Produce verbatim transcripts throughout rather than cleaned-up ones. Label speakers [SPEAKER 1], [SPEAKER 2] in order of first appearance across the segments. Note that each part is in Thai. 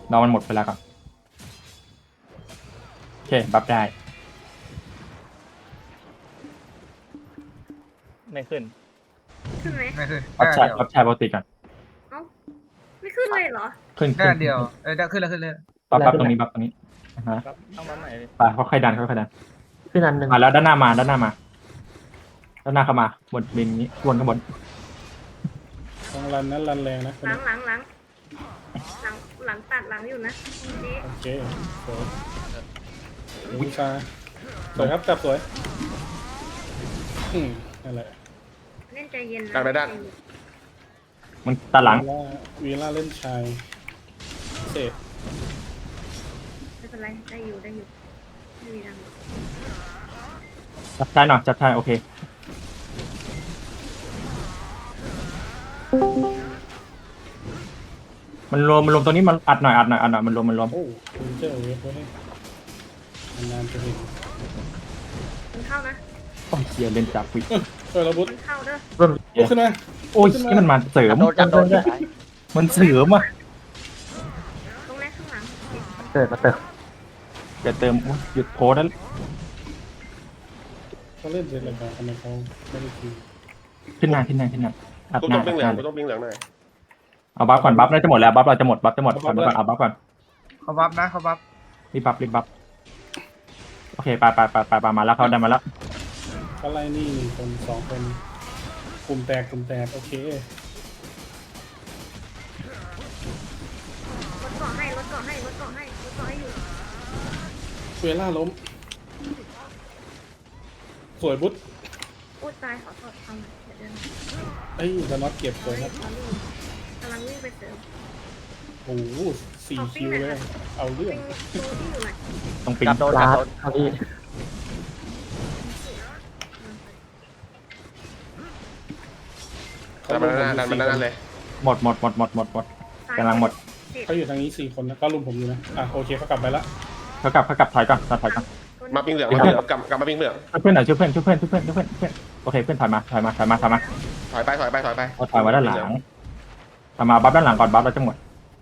[SPEAKER 1] รอมันหมดเวลาก่อนโอเคบัฟได้
[SPEAKER 2] ไม่ขึ้น
[SPEAKER 3] ขึ้นไหม
[SPEAKER 4] ไม่ขึ้น
[SPEAKER 1] บัฟ
[SPEAKER 4] ได้
[SPEAKER 1] ชาย
[SPEAKER 4] เดียว
[SPEAKER 1] บัฟชายปกติก่อน
[SPEAKER 3] เอ้าไม่ขึ้นเลยเหรอ
[SPEAKER 1] ขึ้น
[SPEAKER 4] ได้
[SPEAKER 1] ขึ้น
[SPEAKER 4] เดียวเออได้ขึ้นแล้วขึ้นเลย
[SPEAKER 1] บัฟบัฟตรงนี้บัฟตรงนี้อ่าฮะ
[SPEAKER 2] ครับต้องมาใหม่เลย
[SPEAKER 1] ไปค่อยๆดันค่อยๆดัน
[SPEAKER 5] ขึ้นอันหนึ่ง
[SPEAKER 1] มาแล้วด้านหน้ามาด้านหน้ามาด้านหน้าเข้ามาบนบินนี้วนข้างบน
[SPEAKER 6] ต้องรันนั้นรันแรงนะ
[SPEAKER 3] หลังหลังหลังหลังหลังตัดหลังอยู่นะเจ๊
[SPEAKER 6] โอเคสวยวิชาสวยครับจับสวยอืมนั่นแหละ
[SPEAKER 3] เล่นใจเย็นนะ
[SPEAKER 7] ดันไปด้าน
[SPEAKER 1] มันตาหลัง
[SPEAKER 6] วีล่าวีล่าเล่นชายเสร็จ
[SPEAKER 3] ไม่เป็นไรได้อยู่ได้อยู่ไม่มีดัง
[SPEAKER 1] จับชายหน่อยจับชายโอเคมันรวมมันรวมตรงนี้มันอัดหน่อยอัดหน่อยอัดหน่อยมันรวมมันรวม
[SPEAKER 6] โอ้คุณเจอเวฟไว้ให้นานๆจะเห็น
[SPEAKER 3] มันเข้านะ
[SPEAKER 1] โอ้ยเฮียเล่นจับวิ
[SPEAKER 6] ช่วยระบุด
[SPEAKER 3] มันเข้าเด้อ
[SPEAKER 1] เริ่ม
[SPEAKER 6] ลุกขึ้นมา
[SPEAKER 1] โอ้ยนี่มันมาเสริม
[SPEAKER 5] โดนจับโดนด้วย
[SPEAKER 1] มันเสริมอ่ะ
[SPEAKER 3] ตรงแรกข้างหลัง
[SPEAKER 5] เกิดมาเติม
[SPEAKER 1] อย่าเติมโอ้ยหยุดโพสต์นั้น
[SPEAKER 6] เขาเล่นเสร็จแล้วกันทำไมเขาไม่ได้คิว
[SPEAKER 1] ขึ้นหน้าขึ้นหน้าขึ้นหน้าอัด
[SPEAKER 7] กู
[SPEAKER 1] หน้า
[SPEAKER 7] ต้อง
[SPEAKER 1] อั
[SPEAKER 7] ปิ้ง
[SPEAKER 1] ด
[SPEAKER 7] เห
[SPEAKER 1] ห
[SPEAKER 7] ลือ
[SPEAKER 1] น้าง
[SPEAKER 7] กูต้องปิ้งเหลืองหน่อย
[SPEAKER 1] เอาบัฟก่อนบัฟน่าจะหมดแล้วบัฟเราจะหมดบัฟจะหมดก่อนก่อนเอาบัฟก่อน
[SPEAKER 4] เขาบัฟนะเขาบัฟ
[SPEAKER 1] รีบบัฟรีบบัฟโอเคไปไปไปไปไปมาแล้วเขาได้มาแล้ว
[SPEAKER 6] เขาไล่นี่หนึ่งคนสองคนกลุ่มแตกกลุ่มแตกโอเค
[SPEAKER 3] รถเกาะให้รถเกาะให้รถเกาะให้รถเกาะให้อยู่
[SPEAKER 6] เวล่าล้ม สวยบุ๊ด
[SPEAKER 3] อุ้ยตายขอโทษทำเดี๋ยวเดิน
[SPEAKER 6] เอ้ยจะน็อตเก็บสวยครับ
[SPEAKER 3] กำลังวิ่งไปเสริม
[SPEAKER 6] โอ้โหสี่คิวเลย เอาเรื่อง
[SPEAKER 3] ปิงตัวที่อยู่ไหน
[SPEAKER 1] ต้องปิง
[SPEAKER 5] จับโดนจับโดนเอาพี่
[SPEAKER 7] ดันมาด้านหน้าดันมาด้านหน้าเลย
[SPEAKER 1] หมดหมดหมดหมดหมดหมดกำลังหมด
[SPEAKER 6] เขาอยู่ทางนี้สี่คนนะก็รุมผมอยู่นะ อ่ะโอเคเขากลับไปละ
[SPEAKER 1] เขากลับเขากลับถอยก่อนถอยก่อน
[SPEAKER 7] มาปิ้งเหลืองมาปิ้งเหลืองกลับกลับมาปิ้งเหลือง
[SPEAKER 1] ช่วยเพื่อนหน่อยช่วยเพื่อนช่วยเพื่อนช่วยเพื่อนช่วยเพื่อนช่วยเพื่อนโอเคเพื่อนถอยมาถอยมาถอยมาถอยมา
[SPEAKER 7] ถอยไปถอยไปถอยไป
[SPEAKER 1] เอาถอยมาด้านหลังถอยมาบัฟด้านหลังก่อนบัฟเราจะหมด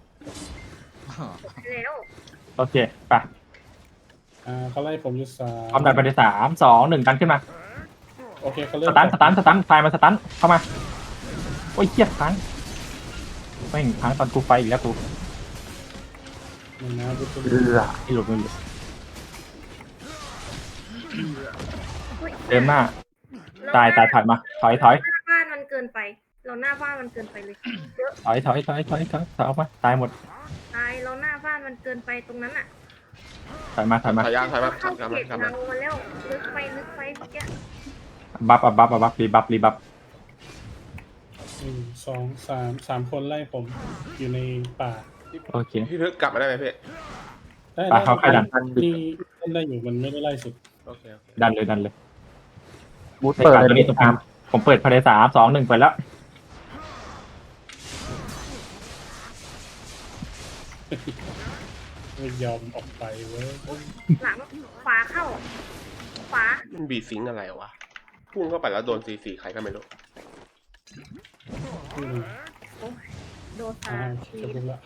[SPEAKER 3] แล้ว
[SPEAKER 1] โอเคไป
[SPEAKER 6] อ่าเขาไล่ผมอยู่สา
[SPEAKER 1] พร้อมดันไปในสามสองหนึ่งดันขึ้นมา
[SPEAKER 6] โอเคเขาเริ่
[SPEAKER 1] ส
[SPEAKER 6] ม
[SPEAKER 1] ตันสตันสตันไฟมาสตันเข้ามาโอ้ยเกียดพังไม่งพังตอนกูไฟอีกแล้วกู
[SPEAKER 6] หนึ่งนะบุ๊ด
[SPEAKER 5] เรือ
[SPEAKER 1] ที่หลุดไม่หลุดเดินหน้าตายตายถอยมาถอยถอย
[SPEAKER 3] หน้าบ้านมันเกินไป เราหน้าบ้านมันเกินไปเลยเยอะ
[SPEAKER 1] ถอยถอยถอยถอยถอยถอยออกมาตายหมด
[SPEAKER 3] ตายเราหน้าบ้านมันเกินไปตรงนั้นอ่ะ
[SPEAKER 1] ถอยมาถอยมา
[SPEAKER 7] ถอยยางถอยมา
[SPEAKER 3] เข้า
[SPEAKER 7] ถอย
[SPEAKER 3] เข
[SPEAKER 7] มา
[SPEAKER 3] ต
[SPEAKER 7] ถอยมา
[SPEAKER 3] เรามาแล้วลึกไปลึกไปเมื่อกี้
[SPEAKER 1] บัฟอ่ะบัฟอ่ะบัฟรีบัฟรีบัฟ
[SPEAKER 6] หนึ่งสองสามสามคนไล่ผมอยู่ในป่า
[SPEAKER 1] โอเค
[SPEAKER 7] พี่พึกกลับมาได้ไหมพี่
[SPEAKER 6] ได้
[SPEAKER 1] ไปเขาใครดัน
[SPEAKER 6] นี่เล่นได้อยู่มันไม่ได้ไล่สุด
[SPEAKER 7] โอเคโอเค
[SPEAKER 1] ดันเลยดันเลย
[SPEAKER 5] บูทเปิด
[SPEAKER 1] ตัว
[SPEAKER 5] เลย
[SPEAKER 1] นี้ตรงกลางผมเปิดภายในสามสองหนึ่งไปแล้ว
[SPEAKER 6] ไม่ยอมออกไปเว้ย
[SPEAKER 3] หลังขวาเข้าขวา
[SPEAKER 7] มันบีซิงอะไรวะพุ่งเข้าไปแล้วโดนซีซีใครก็ไม่รู้
[SPEAKER 6] อืม
[SPEAKER 3] โดน
[SPEAKER 6] อ่า
[SPEAKER 3] สา
[SPEAKER 6] โอเค
[SPEAKER 3] ที
[SPEAKER 6] จะพูดละ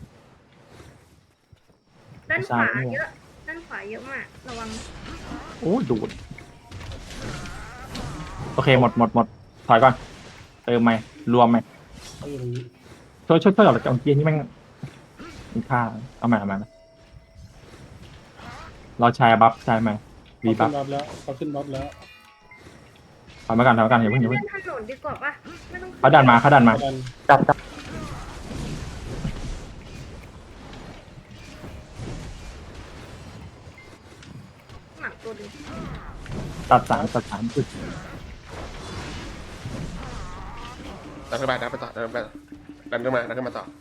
[SPEAKER 3] ด้านขวาเยอะด้านขวาเยอะมากระวัง
[SPEAKER 1] โอ้ยดูดโอเคหมดหมดหมดถอยก่อนเติมไหมรวมไหม
[SPEAKER 6] เขาอยู่ตรงนี้
[SPEAKER 1] ช่วยช่วยช่วยออกจากเกียร์นี่แม่งมีค่าเอาใหม่เอาใหม่เราใช้บัฟใช่ไหม
[SPEAKER 6] เขา
[SPEAKER 1] วี
[SPEAKER 6] ขึ้
[SPEAKER 1] บั
[SPEAKER 6] น
[SPEAKER 1] ฟ
[SPEAKER 6] บัฟแล้วเขาขึ้นบัฟแล้ว
[SPEAKER 1] ถอยมากันถอยมากันอย่าเพิ่งอย่า
[SPEAKER 3] เล่
[SPEAKER 1] เพิ่ง
[SPEAKER 3] นถนนดีกว่าปะไม่ต้อง
[SPEAKER 1] เขาดันมาเขาดันมา
[SPEAKER 6] ดัน
[SPEAKER 5] จับจับ
[SPEAKER 3] หนักตัวดี
[SPEAKER 1] ตัดสามตัดสามจุด
[SPEAKER 7] ดันขึ้นไปดันไปต่อดันไปต่อดันขึ้นมาดันขึ้นมาต่อ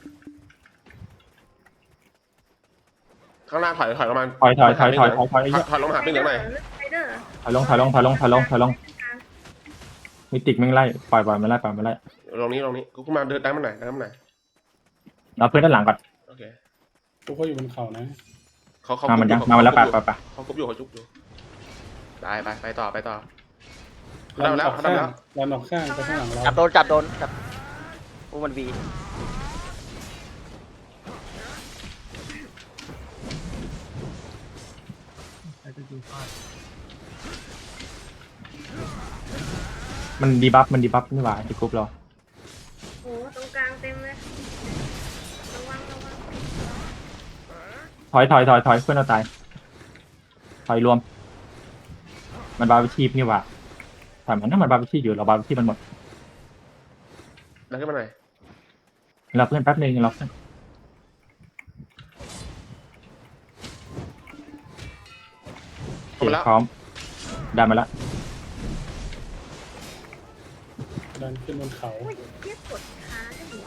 [SPEAKER 7] ข้างล่างถอยถอยลงมา
[SPEAKER 1] ถอยถอยถอยถอยถอยถอย
[SPEAKER 7] ถอยลงมาหาปิ้งเหลืองหน่อย
[SPEAKER 3] ไปเดอร์
[SPEAKER 1] ถอยลงถอยลงถอยลงถอยลงถอยลงมิติกแม่งไล่ปล่อยปล่อยไม่ไล่ปล่อยไม่ไล่
[SPEAKER 7] ลงนี้ลงนี้กูขึ้นมาเดินดันมาหน่อยดันมาหน่อย
[SPEAKER 1] เอาเพื่อนด้านหลังก่อน
[SPEAKER 7] โอเค
[SPEAKER 6] พวกเขาอยู่บนเขานะ
[SPEAKER 7] เขาเขา
[SPEAKER 1] มามันยัง
[SPEAKER 7] เขา
[SPEAKER 1] มามันแล้วไป
[SPEAKER 7] เขา
[SPEAKER 1] ไปไป
[SPEAKER 7] เขากุบอยู่เขาจุบอยู่ได้ไปไปต่อไปต่อ
[SPEAKER 6] ดัน
[SPEAKER 7] ได้
[SPEAKER 6] อ
[SPEAKER 7] แล้ว
[SPEAKER 6] อก
[SPEAKER 7] ได้
[SPEAKER 6] ข้าง
[SPEAKER 7] แล้ว
[SPEAKER 6] ดันออกข้างไปข้างหลังเรา
[SPEAKER 5] จับโดนจับโดนจับอู้มันวี
[SPEAKER 1] มันดีบัฟมันดีบัฟนี่หว่าไอ้กรุ๊ปเรา
[SPEAKER 3] โอ้ตรงกลางเต็มเลยระวังระวัง
[SPEAKER 1] ถอยถอยถอยถอยเพื่อนเราตายถอยรวม มันบาร์บีชีพนี่หว่าแต่มันถ้ามันบาร์บีชีอยู่เราบาร์บีชีมันหมด
[SPEAKER 7] ดันขึ้นมาหน่อย
[SPEAKER 1] เราเพื่อนแป๊บนึงเราเพื่อนโอเคพร้อมได้มาแล้ว
[SPEAKER 6] ดันขึ้นบนเขา
[SPEAKER 3] โอ้ยเทียบกดขาได้หัว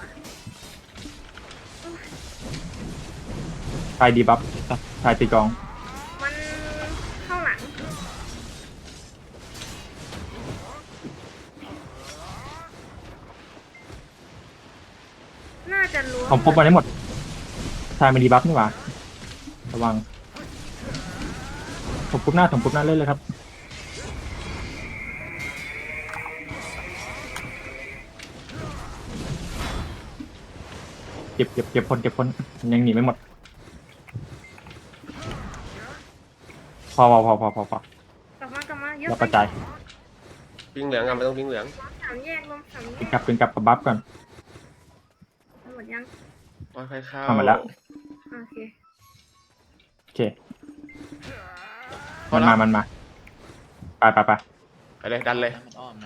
[SPEAKER 1] ชายดีบัฟชายตีกลอง
[SPEAKER 3] มันเข้าหลังน่าจะล้วง
[SPEAKER 1] ผมพบมันได้หมดชายมันดีบัฟนี่หว่าระวังผมปุ๊บหน้าผมปุ๊บหน้าเล่นเลยครับเก็บเก็บเก็บคนเก็บคนยังหนีไม่หมดพอพอพอพอพอพอก
[SPEAKER 3] ลับมากลับมาเยอะ
[SPEAKER 1] เรากระจาย
[SPEAKER 7] วิ่งเหลืองอ่ะไม่ต้องวิ่งเหลือง
[SPEAKER 3] สามแยกลงสามแย
[SPEAKER 1] เป็น
[SPEAKER 3] ก
[SPEAKER 1] กลับเป็นกลับกับบัฟก่อน
[SPEAKER 3] หมดยัง
[SPEAKER 7] ค่อยๆเข้า
[SPEAKER 1] ทำมาแล้ว
[SPEAKER 3] โอเค
[SPEAKER 1] โอเคมันมามันมาไปไปไป
[SPEAKER 7] ไปเลยดันเลย
[SPEAKER 2] มันอ้อมนะ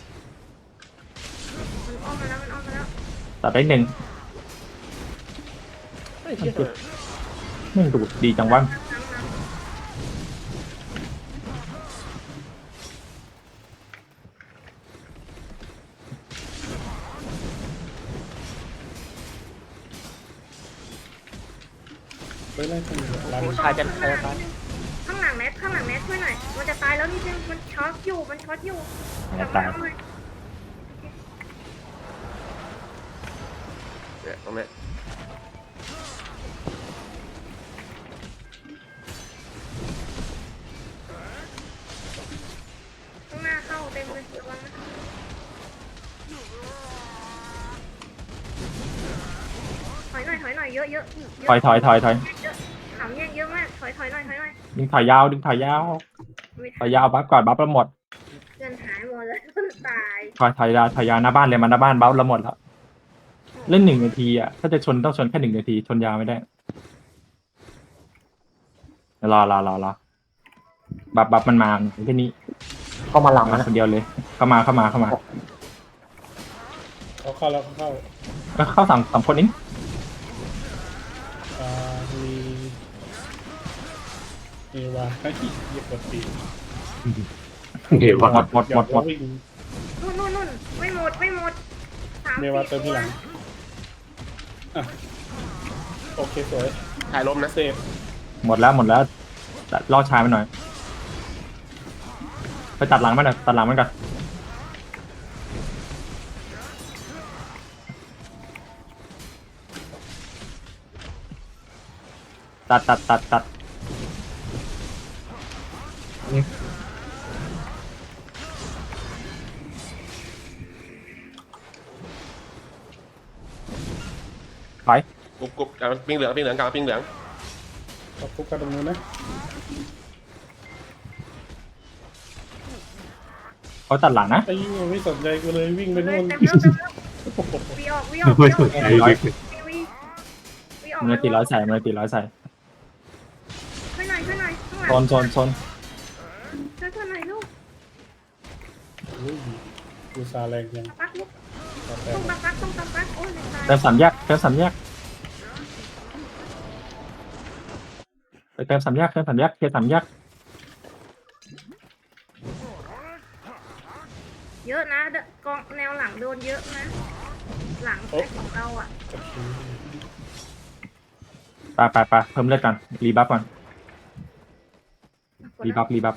[SPEAKER 3] มันอ้อมมาแล้วมันอ้อมมาแล้ว
[SPEAKER 1] ตัดได้หนึ่ง
[SPEAKER 7] เฮ้ยเชี่ย
[SPEAKER 1] ไม่ดูดดีจังวะ
[SPEAKER 3] น้ำน้ำ
[SPEAKER 6] ไปไล่คนเดียวรัน
[SPEAKER 2] ชายจะชายจะตาย
[SPEAKER 3] ข้างหลังแนทข้างหลังแนทช่วยหน่อยมันจะตายแล้วนี่นึงมันช็อตอยู่มันช็อตอยู่
[SPEAKER 1] จะตาย
[SPEAKER 3] กลับมหน่อ
[SPEAKER 7] เนี่ยตรงเนี้ย
[SPEAKER 3] ข้างหน้าเข้าเต็มเลยระวังนะถอยหน่อยถอยหน่อยเยอะเยอะเยอะ
[SPEAKER 1] ถอยถอยถอยถอย
[SPEAKER 3] เยอะสามแยกเยอะมากถอยถอยหน่อยถอยหน่อย
[SPEAKER 1] ดึงถอยยาวดึงถอยยาว
[SPEAKER 3] ไม่
[SPEAKER 1] ถ
[SPEAKER 3] ทั
[SPEAKER 1] อน ยยาวบัฟก่อนบัฟเราหมด
[SPEAKER 3] เพื่อนหายหมดเลยมันตาย
[SPEAKER 1] ถอยถอยยาวถอยยาวหน้าบ้านเลยมาหน้าบ้านบัฟเราหมดแล้วเล่นหนึ่งนาทีอ่ะถ้าจะชนต้องชนแค่หนึ่งนาทีชนยาวไม่ได้รอรอรอรอบัฟบัฟมันมาแค่นี้
[SPEAKER 5] เข้ามาหลัง
[SPEAKER 1] มา
[SPEAKER 5] นะ
[SPEAKER 1] คนเดียวเลย เข้ามาเข้ามาเข้ามา
[SPEAKER 6] เขาเข้าแล้วเขาเข้า
[SPEAKER 1] เอ้ยเข้าสามสามคนนี้
[SPEAKER 6] อ่ามีมีวาให้เหยียบกดปีก
[SPEAKER 5] เดี๋ยว
[SPEAKER 1] หมดหมดหมดหมด
[SPEAKER 6] วิ่ง
[SPEAKER 3] นู่นนู่นนู่นไม่หมดไม่หมดสาม
[SPEAKER 6] เม
[SPEAKER 3] สี่
[SPEAKER 6] วาเติม
[SPEAKER 3] ตั
[SPEAKER 6] ที่
[SPEAKER 3] ว
[SPEAKER 6] หลังอ่ะโอเคสวย
[SPEAKER 7] ถ่ายลมนะ
[SPEAKER 6] เซฟ
[SPEAKER 1] หมดแล้วหมดแล้วล่อชายมันหน่อยไปตัดหลังมันหน่อยตัดหลังมันก่อนตัดตัดตัดตัดไป
[SPEAKER 7] กรุบกรุบเอาปิ้งเหลืองปิ้งเหลืองกลางปิ้งเหลือง
[SPEAKER 6] ขอบคุกกันตรงนู้นนะ
[SPEAKER 1] เขาตัดหลังนะ
[SPEAKER 6] ไอ้ยิ่งไม่สนใจกูเลยวิ่งไป
[SPEAKER 3] เล
[SPEAKER 6] นู่
[SPEAKER 3] ย
[SPEAKER 6] น
[SPEAKER 3] เต็มแล้วเต็มแล้ววีออกวีออกวีออกวีวีวีออก
[SPEAKER 1] มือตีร้อยใส่มือตีร้อยใส่
[SPEAKER 3] ช่วยหน่อยช่วยหน่อยข้างห
[SPEAKER 1] โซ
[SPEAKER 3] ลัง
[SPEAKER 1] นโซนโซน
[SPEAKER 3] ช่วยเพื่อนหน่อยลูก
[SPEAKER 6] อุ้ยกูซาแรงยัง
[SPEAKER 3] ปักลูก
[SPEAKER 6] ตาแต
[SPEAKER 3] ต้
[SPEAKER 6] ก
[SPEAKER 3] องปักปักต้องปักปักโอ้ยตาย
[SPEAKER 1] เติมสามแยกเติมสามแยกไปเติมสามแยกเติมสามแยกเคลียร์สามแยก
[SPEAKER 3] เยอะนะกองแนวหลังโดนเยอะนะ หลังของเราอ่ะ
[SPEAKER 1] ไปไปไปเพิ่มเลือดก่อนรีบัฟก่อนรีบัฟรีบัฟ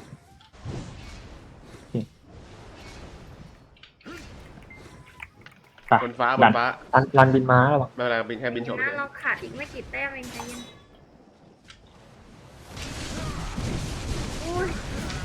[SPEAKER 1] ไป
[SPEAKER 7] บนฟ้าบ
[SPEAKER 1] ดั
[SPEAKER 7] น
[SPEAKER 1] น
[SPEAKER 7] ฟ้า
[SPEAKER 5] รันรันบินม้าแล้ววะ
[SPEAKER 7] ไม่เป็นไรบินแค่บินโฉบ
[SPEAKER 3] นะ
[SPEAKER 7] เฉย
[SPEAKER 3] เราขาดอีกไม่กี่แต้มเองใจเย็นอุ้ย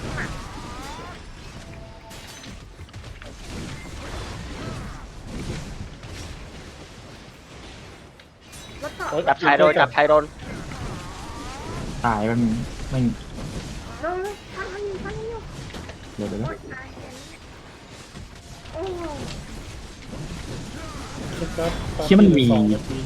[SPEAKER 3] รถต่อ
[SPEAKER 2] จับชายโดนจับชายโดน
[SPEAKER 1] ตายมันไม่
[SPEAKER 3] เร็วเร็วนอยู่ฟันอยู่
[SPEAKER 1] เดี๋ยวเดี๋ยว
[SPEAKER 3] โอ๊ยตายแล้วโอ้
[SPEAKER 6] ครับ
[SPEAKER 1] เชี่ยมันมี
[SPEAKER 6] สองนาที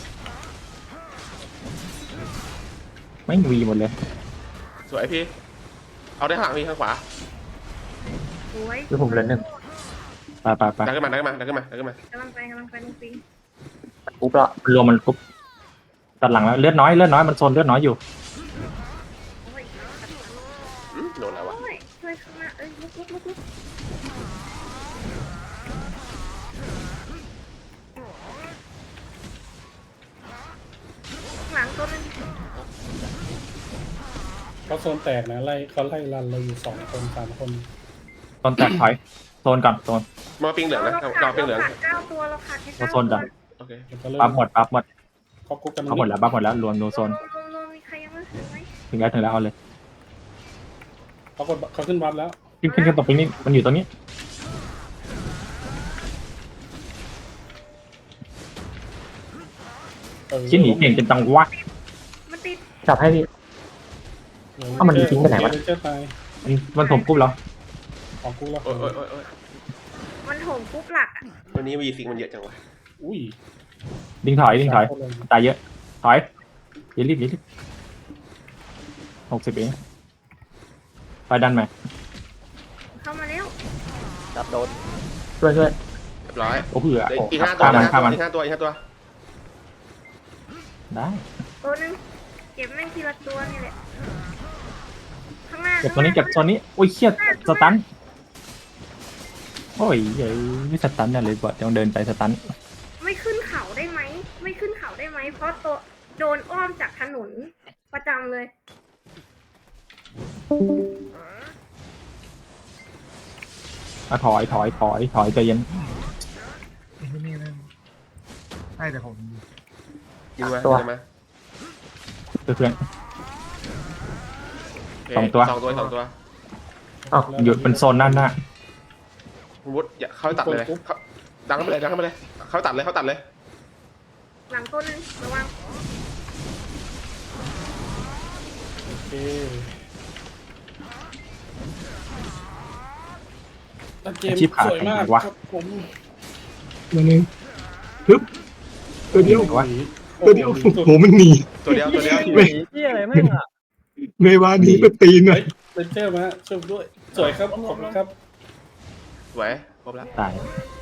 [SPEAKER 1] ไม่งวีหมดเลย
[SPEAKER 7] สวยพี่ เอาได้ข้างหลังพี่ข้างขวา
[SPEAKER 3] สวย
[SPEAKER 5] คือผมเหลือหนึ่ง
[SPEAKER 1] ไปไปไป
[SPEAKER 7] ดันขึ้นมาดันขึ้นมาดันขึ้นมาดันขึ้นมาก
[SPEAKER 3] ำลังไปกำลังไปลุงปิง
[SPEAKER 5] ปุ๊บแล้ว
[SPEAKER 1] รวมมันปุ๊บตัดหลังแล้วเลือดน้อยเลือดน้อยมันโซนเลือดน้อยอยู่
[SPEAKER 3] โอ้ย
[SPEAKER 7] อืมโดนแล้ววะ
[SPEAKER 3] โอ้ยช่วยข้างหน้าเอ้ยลุกลุกลุกลุกหลังตัวนึง
[SPEAKER 6] เขาโซนแตกนะไล่เขาไล่รันเราอยู่สองคนสามคน
[SPEAKER 1] โซนแตกถอยโซนก่อนโซน
[SPEAKER 7] มาปิงเหลืองนะ
[SPEAKER 3] เรา
[SPEAKER 7] เรา
[SPEAKER 3] ขาด
[SPEAKER 7] ปิงเหลือง
[SPEAKER 3] เราขาดเก้าตัวเราขาดแค่
[SPEAKER 1] เรา
[SPEAKER 3] เก้า
[SPEAKER 1] โซน
[SPEAKER 3] ตั
[SPEAKER 1] ก่
[SPEAKER 3] ว
[SPEAKER 1] อน
[SPEAKER 7] โอเค
[SPEAKER 6] เดี๋ยวก็เริ่ม
[SPEAKER 1] ปั๊บหมดปั๊บหมด
[SPEAKER 6] เขากุ๊กกัน
[SPEAKER 1] เขาหมดแล้วปั๊บหมดแล้วรวมรวมโซน
[SPEAKER 3] ลงลงมีใครยังไม่ถึงไหม
[SPEAKER 1] ถึงแล้วถึงแล้วเอาเลย
[SPEAKER 6] เขากดเขาขึ้นวัดแล้ว
[SPEAKER 1] ขึ้นขึ้นขึ้นตรงนี้มันอยู่ตรงนี้
[SPEAKER 6] เออ
[SPEAKER 1] ชิ้นหนีเก่งจนจังวะ
[SPEAKER 3] มันติด
[SPEAKER 5] จับให้พี่ เอ้ามันทิ้งไปไหนวะ
[SPEAKER 6] เจ้าตาย
[SPEAKER 1] มันมันถมปุ๊บแล้ว
[SPEAKER 6] ของกูแล้ว
[SPEAKER 7] โอ้ยโอ้ยโอ้ยโอ้ย
[SPEAKER 3] มันโถมปุ๊บหลักอ่ะ
[SPEAKER 7] วันนี้วีซิงมันเยอะจังวะ
[SPEAKER 6] อุ้ย
[SPEAKER 1] ดิ้งถอยดิ้งถอย
[SPEAKER 6] สามคนเลย
[SPEAKER 1] ตายเยอะถอยอย่ารีบอย่ารีบหกสิบเองไปดันไหม
[SPEAKER 3] เข้ามาแล้ว
[SPEAKER 5] จับโดนช่วยช่วย
[SPEAKER 7] เรียบร้อย
[SPEAKER 1] โอ้เหือ
[SPEAKER 7] เดี๋ยว
[SPEAKER 1] โอ้
[SPEAKER 7] อีกห้าตัว
[SPEAKER 1] ฆ่ามัน
[SPEAKER 7] อีก
[SPEAKER 1] ฆ่า
[SPEAKER 7] ห้า
[SPEAKER 1] มัน
[SPEAKER 7] ตัวอีกห้าตัวอีกห้าตัว
[SPEAKER 1] ได้
[SPEAKER 3] ตัวหนึงเก็บแม่งทีละตัวนี่แหละข้างหน้า
[SPEAKER 1] เก็บตัวนี้เก็บตัวนี้โอ้ยเครียดสตันโอ้ยเฮ้ยไม่สตันเนี่ยเลยบอดต้องเดินไปสตัน
[SPEAKER 3] ไม่ขึ้นเขาได้ไหมไม่ขึ้นเขาได้ไหมเพราะตัวโดนอ้อมจากถนนประจำเลย
[SPEAKER 1] อ่ะถอยถอยถอยถอยใจเย็น
[SPEAKER 4] นี่นี่นั่นให้แต่ผม
[SPEAKER 7] ยิงมา
[SPEAKER 5] ตัว
[SPEAKER 7] ยิงมา
[SPEAKER 1] เพื่อน
[SPEAKER 7] โเค
[SPEAKER 1] สองตัว
[SPEAKER 7] สองตัวสองตัว
[SPEAKER 5] อ้าว
[SPEAKER 1] ๆหยุดเป็นโซนด้านหน้า
[SPEAKER 7] คุณวุฒิอย่าเข้าไปตัดเลยเข้าดังเข้าไปเลยดังเข้าไปเลย เข้าตัดเลยเข้าตัดเลย
[SPEAKER 3] หลังตัวหนึงระวัง
[SPEAKER 6] โอเคแล้วเกม
[SPEAKER 1] อาชีพขาด
[SPEAKER 6] สวยมาก
[SPEAKER 1] ไหนวะ
[SPEAKER 6] ครับผม
[SPEAKER 2] ตัวหนึงฮึบตัวเดียว
[SPEAKER 1] วะ
[SPEAKER 2] ตัวเดียว
[SPEAKER 6] โอ้
[SPEAKER 2] โอ้
[SPEAKER 6] โห
[SPEAKER 2] โหมันหนี
[SPEAKER 7] ตัวเดียวตัวเดียว
[SPEAKER 5] ที่อะไรแม่งอ่ะ
[SPEAKER 2] เมวาหนีไปตีน
[SPEAKER 6] เฮ้
[SPEAKER 2] อ่ะ
[SPEAKER 6] ยเป็นเจอร์มาช่วยด้วย สวยครับขอบคุณครับ
[SPEAKER 7] สวยครบแล้ว
[SPEAKER 1] ตาย